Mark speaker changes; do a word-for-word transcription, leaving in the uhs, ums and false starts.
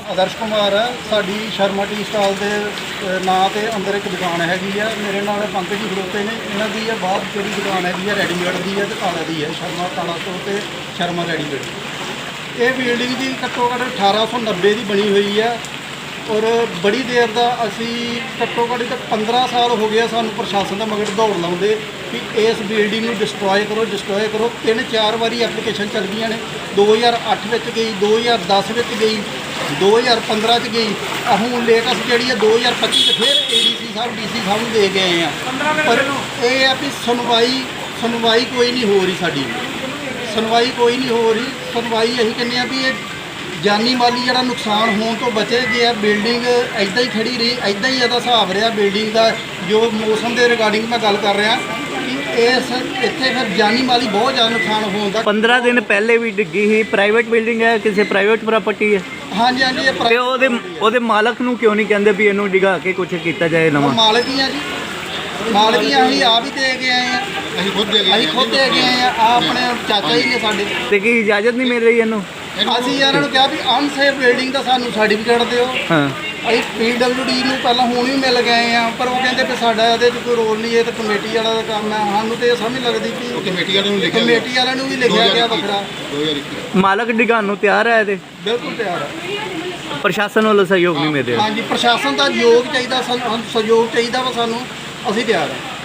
Speaker 1: ਆਦਰਸ਼ ਕੁਮਾਰ ਹੈ। ਸਾਡੀ Sharma tea stall ਦੇ ਨਾਂ ਤੇ ਅੰਦਰ ਇੱਕ ਦੁਕਾਨ ਹੈਗੀ ਆ। ਮੇਰੇ ਨਾਲ ਪੰਕਜ ਜੀ ਖੜੋਤੇ ਨੇ। ਇਹਨਾਂ ਦੀ ਇਹ ਬਾਹਰ ਜਿਹੜੀ ਦੁਕਾਨ ਹੈਗੀ ਆ ਰੈਡੀਮੇਡ ਦੀ ਹੈ ਤੇ ਤਾਲਾ ਦੀ ਹੈ। ਸ਼ਰਮਾ ਤਾਲਾ ਸਟੋਰ ਤੇ ਸ਼ਰਮਾ ਰੈਡੀਮੇਡ। ਇਹ ਬਿਲਡਿੰਗ ਦੀ ਘੱਟੋ ਘੱਟ ਅਠਾਰਾਂ ਸੌ ਨੱਬੇ ਦੀ ਬਣੀ ਹੋਈ ਹੈ ਔਰ ਬੜੀ ਦੇਰ ਦਾ ਅਸੀਂ ਘੱਟੋ ਘੱਟ ਤੱਕ ਪੰਦਰਾਂ ਸਾਲ ਹੋ ਗਿਆ ਸਾਨੂੰ ਪ੍ਰਸ਼ਾਸਨ ਦਾ ਮਗਰ ਦੌੜ ਲਾਉਂਦੇ ਕਿ ਇਸ ਬਿਲਡਿੰਗ ਨੂੰ ਡਿਸਟਰੋਏ ਕਰੋ ਡਿਸਟਰੋਏ ਕਰੋ। ਤਿੰਨ ਚਾਰ ਵਾਰੀ ਐਪਲੀਕੇਸ਼ਨ ਚੱਲ ਗਈਆਂ ਨੇ। ਦੋ ਹਜ਼ਾਰ ਅੱਠ ਵਿੱਚ ਗਈ, ਦੋ ਹਜ਼ਾਰ ਦਸ ਵਿੱਚ ਗਈ, ਦੋ ਹਜ਼ਾਰ ਪੰਦਰਾਂ 'ਚ ਗਈ। ਹੁਣ ਲੇਟੈਸਟ ਜਿਹੜੀ ਹੈ ਦੋ ਹਜ਼ਾਰ ਪੱਚੀ 'ਚ ਫਿਰ A D C Sahib D C ਸਾਹਿਬ ਨੂੰ ਦੇ ਗਏ ਆ। ਪਰ ਇਹ ਆ ਵੀ ਸੁਣਵਾਈ ਸੁਣਵਾਈ ਕੋਈ ਨਹੀਂ ਹੋ ਰਹੀ। ਸਾਡੀ ਸੁਣਵਾਈ ਕੋਈ ਨਹੀਂ ਹੋ ਰਹੀ। ਸੁਣਵਾਈ ਅਸੀਂ ਕਹਿੰਦੇ ਆ ਵੀ ਇਹ ਜਾਨੀ ਮਾਲੀ ਜਿਹੜਾ ਨੁਕਸਾਨ ਹੋਣ ਤੋਂ ਬਚੇ ਗਿਆ। ਬਿਲਡਿੰਗ ਇੱਦਾਂ ਹੀ ਖੜੀ ਰਹੀ, ਇੱਦਾਂ ਹੀ ਇਹਦਾ ਹਿਸਾਬ ਰਿਹਾ ਬਿਲਡਿੰਗ ਦਾ। ਜੋ ਮੌਸਮ ਦੇ ਰਿਗਾਰਡਿੰਗ ਮੈਂ ਗੱਲ ਕਰ ਰਿਹਾ ਕਿ ਇਸ ਇੱਥੇ ਫਿਰ ਜਾਨੀ ਮਾਲੀ ਬਹੁਤ ਜ਼ਿਆਦਾ ਨੁਕਸਾਨ ਹੋਣ ਦਾ।
Speaker 2: ਪੰਦਰਾਂ ਦਿਨ ਪਹਿਲੇ ਵੀ ਡਿੱਗੀ ਸੀ। ਪ੍ਰਾਈਵੇਟ ਬਿਲਡਿੰਗ ਹੈ, ਕਿਸੇ ਪ੍ਰਾਈਵੇਟ ਪ੍ਰਾਪਰਟੀ ਹੈ।
Speaker 1: ਹਾਂਜੀ ਹਾਂਜੀ ਇਹ
Speaker 2: ਤੇ ਉਹਦੇ ਉਹਦੇ ਮਾਲਕ ਨੂੰ ਕਿਉਂ ਨਹੀਂ ਕਹਿੰਦੇ ਵੀ ਇਹਨੂੰ ਡਿਗਾ ਕੇ ਕੁਝ ਕੀਤਾ ਜਾਏ ਨਵਾਂ?
Speaker 1: ਮਾਲਕ ਹੀ ਆ ਜੀ, ਮਾਲਕ ਹੀ ਅਸੀਂ ਆਪ ਹੀ ਦੇ ਕੇ ਆਏ ਆ। ਅਸੀਂ ਖੁਦ ਦੇ ਅਸੀਂ ਖੁਦ ਦੇ ਕੇ ਆਏ ਆ। ਆ ਆਪਣੇ ਚਾਚਾ ਜੀ ਨੇ ਸਾਡੇ।
Speaker 2: ਤੇ ਕੀ ਇਜਾਜ਼ਤ ਨਹੀਂ ਮਿਲ ਰਹੀ ਇਹਨੂੰ?
Speaker 1: ਅਸੀਂ ਇਹਨਾਂ ਨੂੰ ਕਿਹਾ ਵੀ ਅਨਸੇਫ ਬਿਲਡਿੰਗ ਦਾ ਸਾਨੂੰ ਸਰਟੀਫਿਕੇਟ ਦਿਓ।
Speaker 2: ਹਾਂ
Speaker 1: ਅਸੀਂ ਪੀ ਡਬਲਿਊ ਡੀ ਨੂੰ ਪਹਿਲਾਂ ਹੁਣ ਵੀ ਮਿਲ ਗਏ ਆ ਪਰ ਉਹ ਕਹਿੰਦੇ ਵੀ ਸਾਡਾ ਇਹਦੇ 'ਚ ਕੋਈ ਰੋਲ ਨਹੀਂ, ਇਹ ਤਾਂ ਕਮੇਟੀ ਵਾਲਾ ਦਾ ਕੰਮ ਹੈ। ਸਾਨੂੰ ਤੇ ਇਹ ਸਮਝ ਲੱਗਦੀ ਕਿ
Speaker 3: ਕਮੇਟੀ ਵਾਲਿਆਂ ਨੂੰ ਲਿਖਿਆ
Speaker 1: ਕਮੇਟੀ ਵਾਲਿਆਂ ਨੂੰ ਵੀ ਲਿਖਿਆ ਗਿਆ ਵੱਖਰਾ।
Speaker 3: ਦੋ ਹਜ਼ਾਰ ਇੱਕੀ
Speaker 2: ਮਾਲਕ ਡਿਗਾਉਣ ਨੂੰ ਤਿਆਰ ਹੈ ਇਹਦੇ?
Speaker 1: ਬਿਲਕੁਲ ਤਿਆਰ ਹੈ।
Speaker 2: ਪ੍ਰਸ਼ਾਸਨ ਵੱਲੋਂ ਸਹਿਯੋਗ ਨਹੀਂ ਮਿਲ ਰਿਹਾ।
Speaker 1: ਹਾਂਜੀ ਪ੍ਰਸ਼ਾਸਨ ਦਾ ਯੋਗ ਚਾਹੀਦਾ, ਸਾਨੂੰ ਸਹਿਯੋਗ ਚਾਹੀਦਾ ਵਾ ਸਾਨੂੰ। ਅਸੀਂ ਤਿਆਰ ਹਾਂ।